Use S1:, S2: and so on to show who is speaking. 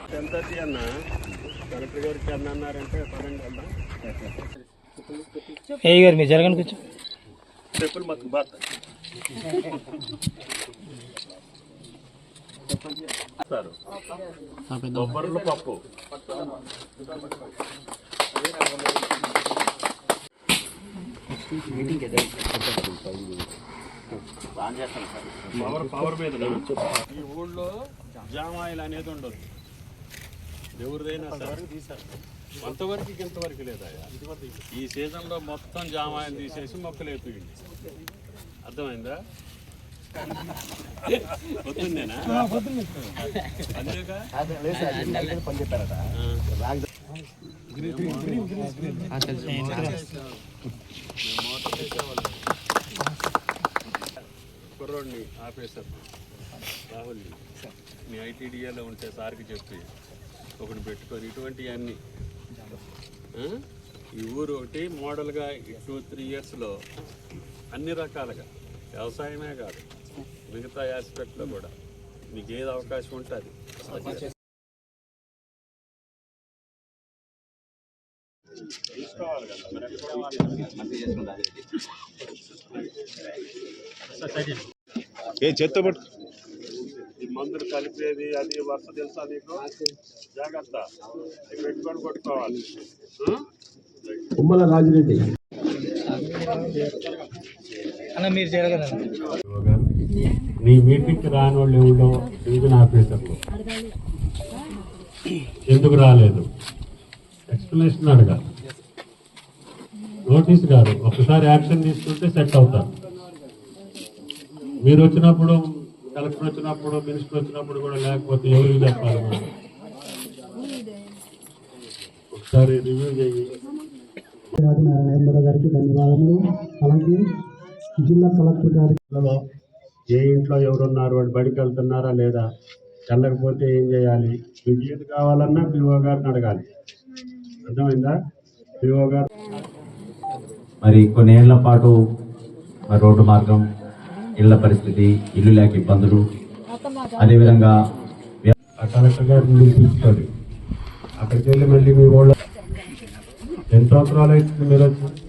S1: 10:30 అన్న కలెక్టర్ గారికి అన్నారంటే పదండి వెళ్దాం.
S2: ఏ గారు మీరు జరగండి కొంచెం.
S1: చెప్పులు మాకు బాత బొబ్బర్లు పప్పు పవర్ మీద ఈ ఊళ్ళో జామాయిల్ అనేది ఉండదు. ఎవరిదైనా కొంతవరకు ఇంతవరకు లేదా ఈ సీజన్లో మొత్తం జామాయిలు తీసేసి మొక్కలు వేపియండి. అర్థమైందా? పొద్దున్నేనా అంతేగా కుర్రోడిని ఆపేశారు రాహుల్ని. మీ ఐటీడీఏలో ఉంటే సార్కి చెప్పి ఒకటి పెట్టుకొని ఇటువంటివన్నీ ఈ ఊరు ఒకటి మోడల్గా 2-3 ఇయర్స్లో అన్ని రకాలుగా వ్యవసాయమే కాదు మిగతా ఆస్పెక్ట్లో కూడా మీకు ఏది అవకాశం ఉంటుంది తీసుకోవాలి కదా.
S3: చెత్త పట్టు
S1: ఈ మందులు కలిపేది అది వర్ష తెలుసా నీకు? జాగ్రత్త పెట్టుకొని కొట్టుకోవాలి.
S4: ఉమ్మల రాజిరెడ్డి
S2: అన్న మీరు జరగదు.
S1: నీ మీటింగ్కి రాని వాళ్ళు ఎవరో డివిజన్ ఆఫీసర్లు ఎందుకు రాలేదు ఎక్స్ప్లెనేషన్ అడగాలి. నోటీస్ కాదు, ఒకసారి యాక్షన్ తీసుకుంటే సెట్ అవుతారు. మీరు వచ్చినప్పుడు, కలెక్టర్ వచ్చినప్పుడు, మినిస్టర్ వచ్చినప్పుడు కూడా లేకపోతే ఎవరికి చెప్పాలి? ఒకసారి రివ్యూ చేయి.
S4: నారాయణ గారికి ధన్యవాదములు. అలాగే జిల్లా కలెక్టర్ గారిలో
S1: ఏ ఇంట్లో ఎవరున్నారు, వాడు బడికి వెళ్తున్నారా లేదా, వెళ్ళకపోతే ఏం చేయాలి, మీకు ఏది కావాలన్నా పిఓ గారిని అడగాలి. అర్థమైందా? పిఓ గారు
S5: మరి కొన్నేళ్ల పాటు రోడ్డు మార్గం, ఇళ్ల పరిస్థితి, ఇల్లు లేక ఇబ్బందులు, అదేవిధంగా
S1: కలెక్టర్ గారిని పిలుచుకోండి. అక్కడికి వెళ్ళి మళ్ళీ మీ ఊళ్ళో 10 సంవత్సరాలు అవుతుంది మీరు వచ్చి